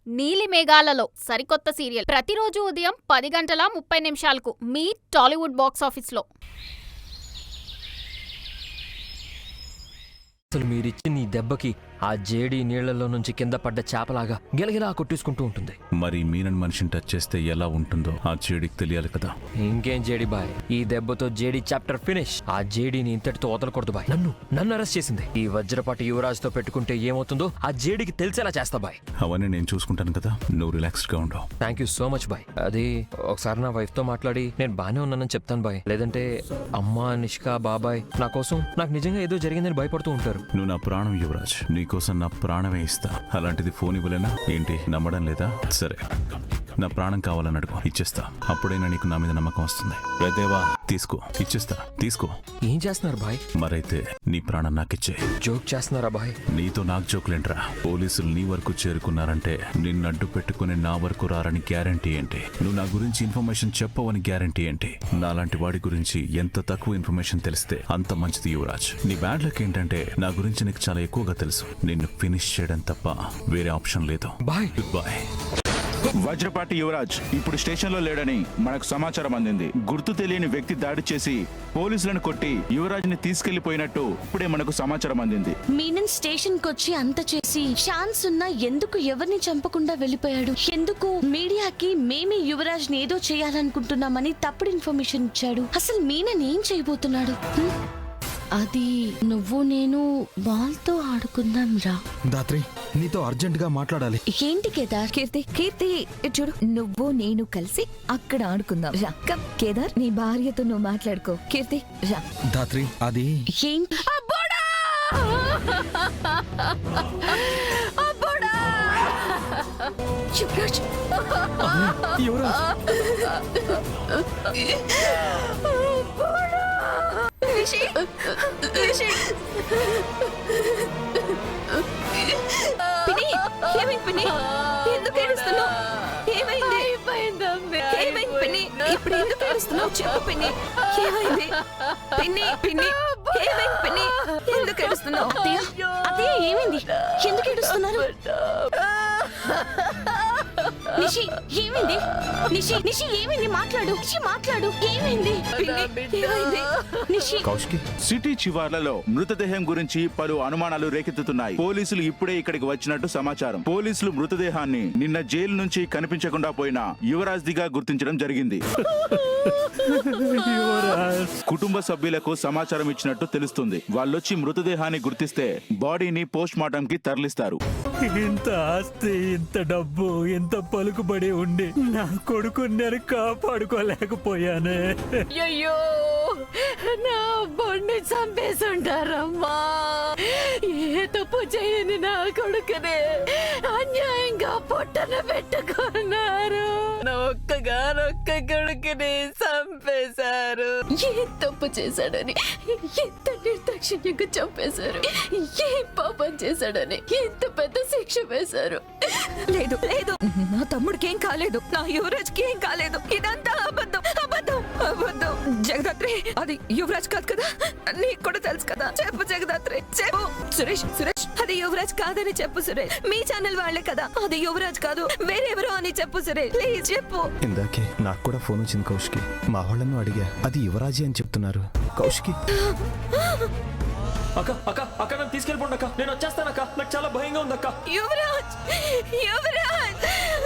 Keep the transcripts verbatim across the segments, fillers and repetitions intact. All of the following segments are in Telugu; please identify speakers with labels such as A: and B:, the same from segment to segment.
A: నీలి మేఘాలలో సరికొత్త సీరియల్ ప్రతిరోజు ఉదయం పది గంటల ముప్పై నిమిషాలకు మీ టాలీవుడ్ బాక్స్ ఆఫీస్లో.
B: అసలు మీరిచ్చిన ఈ దెబ్బకి ఆ జేడీ నీళ్లలో నుంచి కింద పడ్డ చేపలాగా గిలగిలా కొట్టేసుకుంటూ ఉంటుంది.
C: మరి మీనన్ మనిషిని టచ్ చేస్తే ఎలా ఉంటుందో ఆ జేడీకి తెలియాలి కదా.
B: ఇంకేం జేడీ బాయ్, ఈ దెబ్బతో జేడీ చాప్టర్ ఫినిష్. ఆ జేడీని ఇంతటితో వదలకూడదు బాయ్. నన్ను నన్ను అరెస్ట్ చేసింది. ఈ వజ్రపాటి యువరాజ్ తో పెట్టుకుంటే ఏమవుతుందో ఆ జేడీకి తెలిసేలా చేస్తా బాయ్.
C: అవన్నీ నేను చూసుకుంటాను కదా, నువ్వు రిలాక్స్డ్ గా ఉండవు.
B: Thank you so much bye. అది ఒకసారి నా వైఫ్ తో మాట్లాడి నేను బానే ఉన్నానని చెప్తాను బాయ్. లేదంటే అమ్మ, నిష్కా, బాబాయ్ నా కోసం నాకు నిజంగా ఏదో జరిగిందని భయపడుతూ ఉంటారు.
C: నువ్వు నా ప్రాణం యువరాజ్, నీకోసం నా ప్రాణమే ఇస్తా. అలాంటిది ఫోన్ ఇవ్వలేనా ఏంటి? నమ్మడం లేదా? సరే, నా ప్రాణం కావాలని అడుగు, ఇచ్చేస్తా. అప్పుడైనా నీకు నా మీద నమ్మకం వస్తుంది. రేదేవా, తీసుకో, ఇచ్చేస్తా, తీసుకో.
B: ఏం చేస్తున్నారు బాయ్?
C: మరైతే నీ ప్రాణం నాకిచ్చే.
B: జోక్ చేస్తున్నారా బాయ్?
C: నీతో నాకు జోకులేంట్రా? పోలీసులు నీ వరకు చేరుకున్నారంటే నిన్ను అడ్డు పెట్టుకుని నా వరకు రారని గ్యారంటీ ఏంటి? నువ్వు నా గురించి ఇన్ఫర్మేషన్ చెప్పవని గ్యారంటీ ఏంటి? నాలాంటి వాడి గురించి ఎంత తక్కువ ఇన్ఫర్మేషన్ తెలిస్తే అంత మంచిది యువరాజ్. నీ బ్యాడ్ లక్ ఏంటంటే నా గురించి నీకు చాలా ఎక్కువగా తెలుసు. నిన్ను ఫినిష్ చేయడం తప్ప వేరే ఆప్షన్ లేదు.
B: Bye.
C: Goodbye.
D: Vajrapati Yuvaraj ఇప్పుడు స్టేషన్ లో లేడని మనకు సమాచారం అందింది. గుర్తు తెలియని వ్యక్తి దాడి చేసి పోలీసులను కొట్టి యువరాజ్ ని తీసుకెళ్లిపోయినట్టు ఇప్పుడే మనకు సమాచారం అందింది.
E: మీనన్ స్టేషన్ కొచ్చి అంత చేసి ఛాన్స్ ఉన్నా ఎందుకు ఎవరిని చంపకుండా వెళ్ళిపోయాడు? ఎందుకు మీడియాకి మేమే యువరాజ్ ని ఏదో చేయాలనుకుంటున్నామని తప్పుడు ఇన్ఫర్మేషన్ ఇచ్చాడు? అసలు మీనన్ ఏం చేయబోతున్నాడు? అది నువ్వు నేను బాల్ తో ఆడుకుందాం రా.
F: దాత్రి, నీతో అర్జెంట్ గా మాట్లాడాలి.
E: ఏంటి కేదార్?
G: కీర్తి కీర్తి చూడు, నువ్వు నేను కలిసి అక్కడ ఆడుకుందాం రా. కమ్ కేదార్, నీ భార్యతో నువ్వు మాట్లాడుకో. కీర్తి రా.
F: దాత్రి, అది
E: ఏంటి?
G: యువరాజ్,
F: యువరాజ్,
G: రిషి, రిషి. పిన్ని, ఏమైంది పిన్ని? ఎందుకు ఏడుస్తున్నావు? ఏమైంది? ఏమైంది పిన్ని? ఇప్పుడు ఎందుకు ఏడుస్తున్నావు? చెప్పు పిన్ని, ఏమైంది? పిన్ని పిన్ని ఏమైంది పిన్ని? ఎందుకు ఏడుస్తున్నావు?
E: అత్తయ్య, అత్తయ్య ఏమైంది? ఎందుకు ఏడుస్తున్నారు? నిషి, ఏమైంది? నిషి, నిషి ఏమైంది? మాట్లాడు, నిషి మాట్లాడు. ఏమైంది?
G: ఏమైంది?
E: నిషి,
F: కౌశికి,
D: సిటీ చివర్లలో మృతదేహం గురించి పలు అనుమానాలు రేకెత్తుతున్నాయి. పోలీసులు ఇప్పుడే ఇక్కడికి వచ్చినట్టు సమాచారం. పోలీసులు మృతదేహాన్ని నిన్న జైలు నుంచి కనిపించకుండా పోయిన యువరాజ్ దిగా గుర్తించడం జరిగింది. కుటుంబ సభ్యులకు సమాచారం ఇచ్చినట్టు తెలుస్తుంది. వాళ్ళొచ్చి మృతదేహాన్ని గుర్తిస్తే బాడీని పోస్ట్ మార్టం కి తరలిస్తారు.
H: ఇంత ఆస్తి, ఇంత డబ్బు, ఇంత పలుకుబడి ఉండి నా కొడుకు నేను కాపాడుకోలేకపోయానే.
I: అయ్యో, నా బొండి చంపేసుంటారమ్మా. ఏ తప్పు చేయని నా కొడుకునే అన్యాయంగా పొట్టన పెట్టుకున్నారు. నా ఒక్కగానొక్క కొడుకుని చంపేశారు. ఏ తప్పు చేశాడని ఎంత నిర్దాక్షిణ్యంగా చంపేశారు. ఏ పాపం చేశాడని ఎంత పెద్ద శిక్ష వేశారు.
G: లేదు లేదు, నా తమ్ముడికి ఏం కాలేదు, నా యువరాజ్ కి ఏం కాలేదు. ఇదంతా అబద్ధం, అబద్ధం, అబద్ధం. జగదాత్రి, అది యువరాజ్ కాదు కదా? నీకు కూడా తెలుసు కదా? చెప్పు జగదాత్రి, చెప్పు. సురేష్, సురేష్, అది యువరాజ్ కాదని చెప్పు సురేష్. మీ ఛానల్ వాళ్ళే కదా, అది యువరాజ్ కాదు వేరెవరో అని చెప్పు సురేష్, ప్లీజ్ చెప్పు.
F: ఇందాకే నాకు కూడా ఫోన్ వచ్చింది కౌశికి. మా వాళ్ళను అడిగా, అది యువరాజీ అని చెప్తున్నారు. కౌశికి,
B: అక్క అక్క అక్క నన్ను తీసుకెళ్ళిపోండి అక్క, నేను వచ్చేస్తాను అక్క, నాకు చాలా భయంగా ఉంది అక్క.
G: యువరాజ్, యువరాజ్,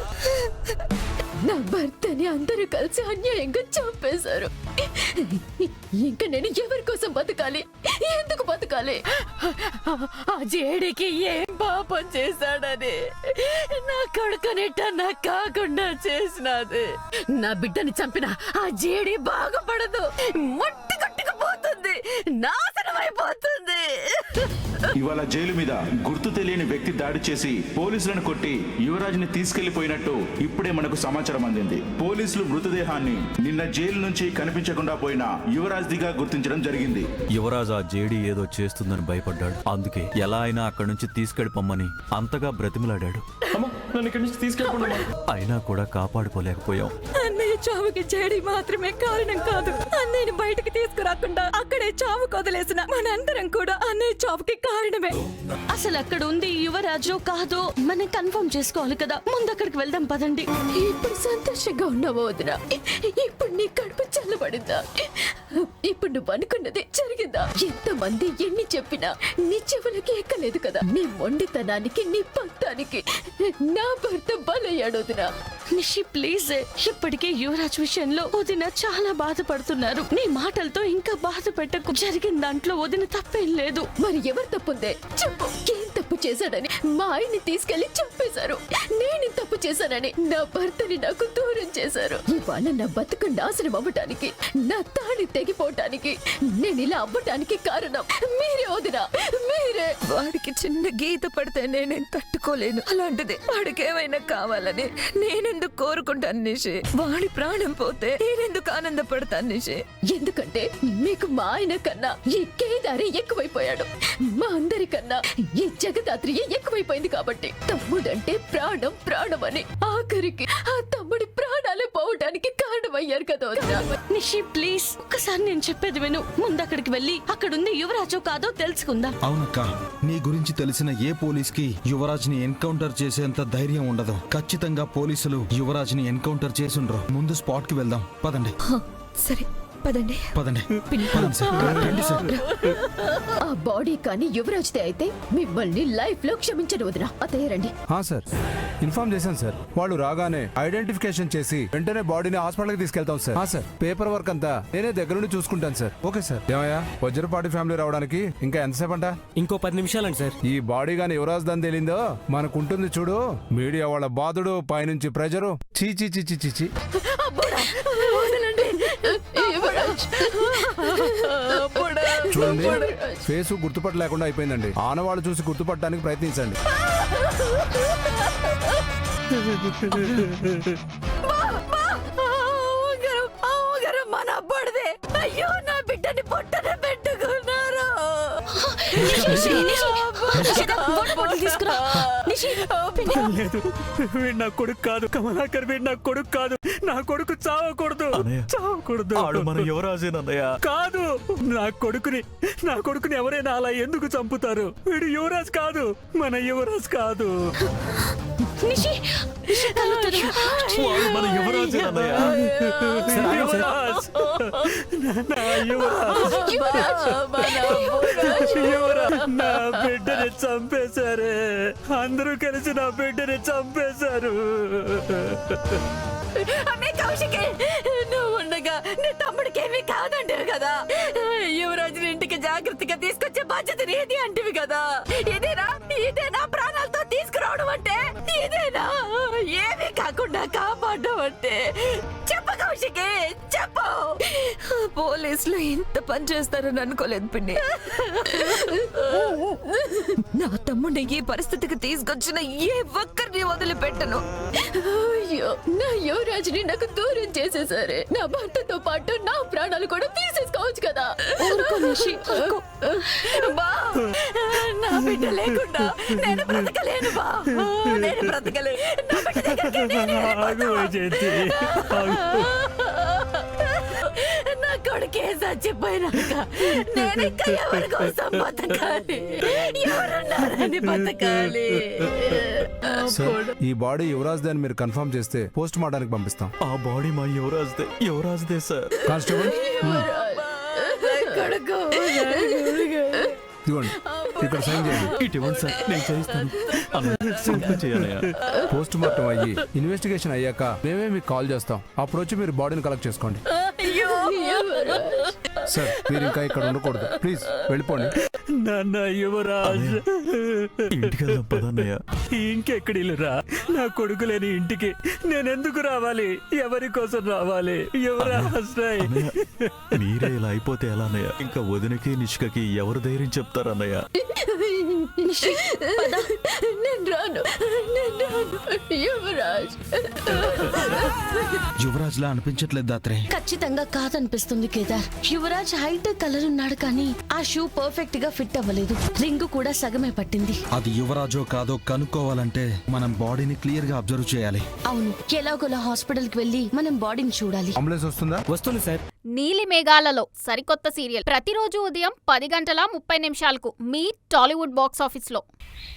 I: నా భర్తని అందరూ కలిసి అన్యాయంగా చంపేశారు. ఇంకా నేను ఎవరి కోసం బతకాలి? ఎందుకు బతకాలి? ఆ జేడికి ఏం పాపం చేశాడని నా కొడుకునిట్ట నాకు కాకుండా చేసినది. నా బిడ్డని చంపిన ఆ జేడి బాగుపడదు, మొట్టి కొట్టుకుపోతుంది, నాశనం అయిపోతుంది.
D: ఇవాళ జైలు మీద గుర్తు తెలియని వ్యక్తి దాడి చేసి పోలీసులను కొట్టి యువరాజ్ ని తీసుకెళ్లిపోయినట్టు ఇప్పుడే మనకు సమాచారం అందింది. పోలీసులు మృతదేహాన్ని నిన్న జైలు నుంచి కనిపించకుండా పోయిన యువరాజ్ దిగా గుర్తించడం జరిగింది.
J: యువరాజ్ ఆ జేడీ ఏదో చేస్తుందని భయపడ్డాడు. అందుకే ఎలా అయినా అక్కడి నుంచి తీసుకెళ్ళిపోమ్మని అంతగా బ్రతిమలాడాడు.
B: అమ్మా, నన్ను ఇక్కడి నుంచి తీసుకెళ్ళిపోండి.
J: అయినా కూడా కాపాడుకోలేకపోయాం.
G: అన్నయ్య చావుకి జేడి మాత్రమే కారణం కాదు. అన్నయ్యని బయటకు తీసుకురాకుండా అక్కడే చావు కొదిలేసిన మనందరం కూడా అన్నయ్య చావుకి కారణమే.
E: అసలు అక్కడ ఉంది యువరాజు కాదో మనం కన్ఫర్మ్ చేసుకోవాలి కదా. ముందు అక్కడికి వెళ్దాం పదండి.
I: ఇప్పుడు సంతోషంగా ఉన్నావా వదినా? ఇప్పుడు నీ కడుపు చల్లబడిందా? ఇప్పుడు నువ్వు అనుకున్నది జరిగిందా? ఎంతమంది ఎన్ని చెప్పినా నీ చెవులకి ఎక్కలేదు కదా. నీ మొండితనానికి నీ పంతానికి నా భర్త బలయ్యాడు వదినా.
E: నిషి ప్లీజ్, ఇప్పటికే యువరాజ్ విషయంలో వదిన చాలా బాధపడుతున్నారు. నీ మాటలతో ఇంకా బాధ పెట్టకు. జరిగిన దాంట్లో వదిన తప్పేం లేదు.
I: మరి ఎవరు తప్పుందే చెప్పు. ఏం తప్పు చేశాడని మా ఆయన్ని తీసుకెళ్లి చంపేశారు. నేను తప్పు చేశానని నా భర్తని నాకు దూరం చేశారు. ఇవాళ నా బతుకు నాశనం అవ్వటానికి, నా తాళి తెగిపోవటానికి, నేను ఇలా అవ్వటానికి కారణం మీరే వదినా, మీరే.
G: వాడికి చిన్న గీత పడితే నేనేం తట్టుకోలేను. అలాంటిది వాడికి ఏమైనా కావాలని నేనెందుకు కోరుకుంటాను నిషి? వాడి ప్రాణం పోతే నేనెందుకు ఆనందపడతాను నిషి?
I: ఎందుకంటే మీకు మా ఆయన కన్నా ఈ కేదారి ఎక్కువైపోయాడు. మా అందరికన్నా ఈ జగదాత్రి ఎక్కువైపోయింది కాబట్టి. తమ్ముడంటే ప్రాణం ప్రాణం అని ఆఖరికి ఆ తమ్ముడి ప్రాణాలే పోవడానికి కారణమయ్యారు కదా వదినా.
E: నిషి ప్లీజ్, ఒక్కసారి నేను చెప్పేది విను. ముందు అక్కడికి వెళ్ళి అక్కడుంది యువరాజు కాదో తెలుసుకుందాం.
F: అవునక్క, నీ గురించి తెలిసిన ఏ పోలీస్ కి యువరాజ్ ని ఎన్కౌంటర్ చేసేంత ధైర్యం ఉండదు. ఖచ్చితంగా పోలీసులు యువరాజ్ ని ఎన్కౌంటర్ చేసుండ్రు. ముందు స్పాట్ కి వెళ్దాం పదండి.
G: సరే పదండి.
F: పదండి పదండి సార్. రండి సార్.
I: ఆ బాడీ కానీ యువరాజ్దే అయితే మిమ్మల్ని లైఫ్ లో క్షమించను వదినా. అతయ్య రండి.
K: సార్ ఇన్ఫార్మ్ చేశాను సార్. వాళ్ళు రాగానే ఐడెంటిఫికేషన్ చేసి వెంటనే బాడీని హాస్పిటల్కి తీసుకెళ్తాం సార్. సార్ పేపర్ వర్క్ అంతా నేనే దగ్గర నుండి చూసుకుంటాను సార్. Okay sir. ఏమయ్యా, వజ్రపాటి ఫ్యామిలీ రావడానికి ఇంకా ఎంతసేపు అంట?
H: ఇంకో పది నిమిషాలండి సార్.
K: ఈ బాడీ గాని యువరాజ్ దాని తెలిందో మనకుంటుంది చూడు. మీడియా వాళ్ళ బాధుడు, పైనుంచి ప్రెజరు. చీ చీ చీ చీ చీ. చూడండి, ఫేస్ గుర్తుపట్ట లేకుండా అయిపోయిందండి. ఆనవాళ్ళు చూసి గుర్తుపట్టడానికి ప్రయత్నించండి.
G: మన అబ్బాడిదే. అయ్యో, నా బిడ్డని పొట్టనే పెట్టుకున్నారు.
H: లేదు, వీడు నా కొడుకు కాదు. కమలాకర్ వీడు నా కొడుకు కాదు. నా కొడుకు చావకూడదు, చావకూడదు.
J: మన యువరాజేనన్నయ్య.
H: కాదు, నా కొడుకుని నా కొడుకుని ఎవరైనా అలా ఎందుకు చంపుతారు? వీడు యువరాజ్ కాదు, మన యువరాజ్ కాదు.
J: మన యువరాజేనన్నయ్య.
H: యువరాజ్, నా యువరాజ్, యువరాజ్ నా బిడ్డని చంపేశారే. అందరూ కలిసి నా బిడ్డని చంపేశారు.
G: కౌశికి, నువ్వు ఉండగా నీ తమ్ముడికి ఏమీ కాదంటివి కదా. యువరాజుని ఇంటికి జాగ్రత్తగా తీసుకొచ్చే బాధ్యత నీది అంటివి కదా. ఇదేనా ఇదేనా ప్రాణాలతో తీసుకురావడం అంటే? ఇదేనా ఏమీ కాకుండా కాపాడడం అంటే? చెప్పు కౌశికి, చెప్పు. పోలీసులు ఇంత పని చేస్తారని అనుకోలేదు పిన్ని. నా తమ్ముడిని ఈ పరిస్థితికి తీసుకొచ్చిన ఏ ఒక్కరిని వదిలిపెట్టను.
I: అయ్యో, నా యువరాజుని నాకు దూరం చేసేసారే. నా భర్తతో పాటు నా ప్రాణాలు కూడా తీసేసుకోవచ్చు కదా.
G: బా, నా బిడ్డ లేకుండా నేను బ్రతకలేను. బా, నేను బ్రతకలేను. నా బిడ్డ దగ్గరికి నేనే వెళ్ళిపోతా. నా కొడుకే చచ్చిపోయినాక నేను ఇంకా ఎవరి కోసం బతకాలి? ఎవరున్నారని బతకాలి?
K: సార్, ఈ బాడీ యువరాజ్ దే అని మీరు కన్ఫర్మ్ చేస్తే పోస్ట్ మార్టానికి పంపిస్తాం.
J: ఆ బాడీ మా యువరాజ్దే. యువరాజ్దే సార్.
K: కానిస్టేబుల్,
G: కొడుకు
K: ఇదిగోండి, ఇక్కడ సైన్ చేయండి.
J: ఇటువంటి సార్ నేను చేయిస్తాను. చేయాలయ్యా.
K: పోస్ట్ మార్టం అయ్యి ఇన్వెస్టిగేషన్ అయ్యాక మేమే మీకు కాల్ చేస్తాం. అప్పుడు వచ్చి మీరు బాడీని కలెక్ట్ చేసుకోండి. సార్, మీరు ఇంకా ఇక్కడ ఉండకూడదు. ప్లీజ్ వెళ్ళిపోండి.
H: నాన్న యువరాజ్,
J: ఇంటికి వెళ్దాం పదన్నయ్య.
H: ఇంకెక్కడి రా? నా కొడుకు లేని ఇంటికి నేనెందుకు రావాలి? ఎవరి కోసం రావాలి? యువరాజ్,
J: మీరే ఇలా అయిపోతే ఎలా అన్నయ్య? ఇంకా వదినకి నిష్కకి ఎవరు ధైర్యం చెప్తారన్నయ్య?
E: నిషి, పద.
I: నేను రాను నేను రాను యువరాజ్.
F: యువరాజ్ లా అనిపించట్లేదు దాత్రే.
E: ఖచ్చితంగా కాదనిపిస్తుంది కేదార్. యువరాజ్ హైట్ కలర్ ఉన్నాడు కానీ ఆ షూ పర్ఫెక్ట్ గా ఫిట్ అవ్వలేదు. రింగు కూడా సగమే పట్టింది.
F: అది యువరాజో కాదో కనుక్కోవాలంటే మనం బాడీని క్లియర్ గా అబ్జర్వ్ చేయాలి.
E: అవును, ఎలాగోలా హాస్పిటల్ కి వెళ్లి మనం బాడీని చూడాలి.
K: అంబులెన్స్ వస్తుందా?
H: వస్తుంది సార్.
A: నీలి మేఘాలలో సరికొత్త సీరియల్ ప్రతిరోజు ఉదయం పది గంటల ముప్పై నిమిషాలకు మీ టాలీవుడ్ బాక్స్ ఆఫీస్లో.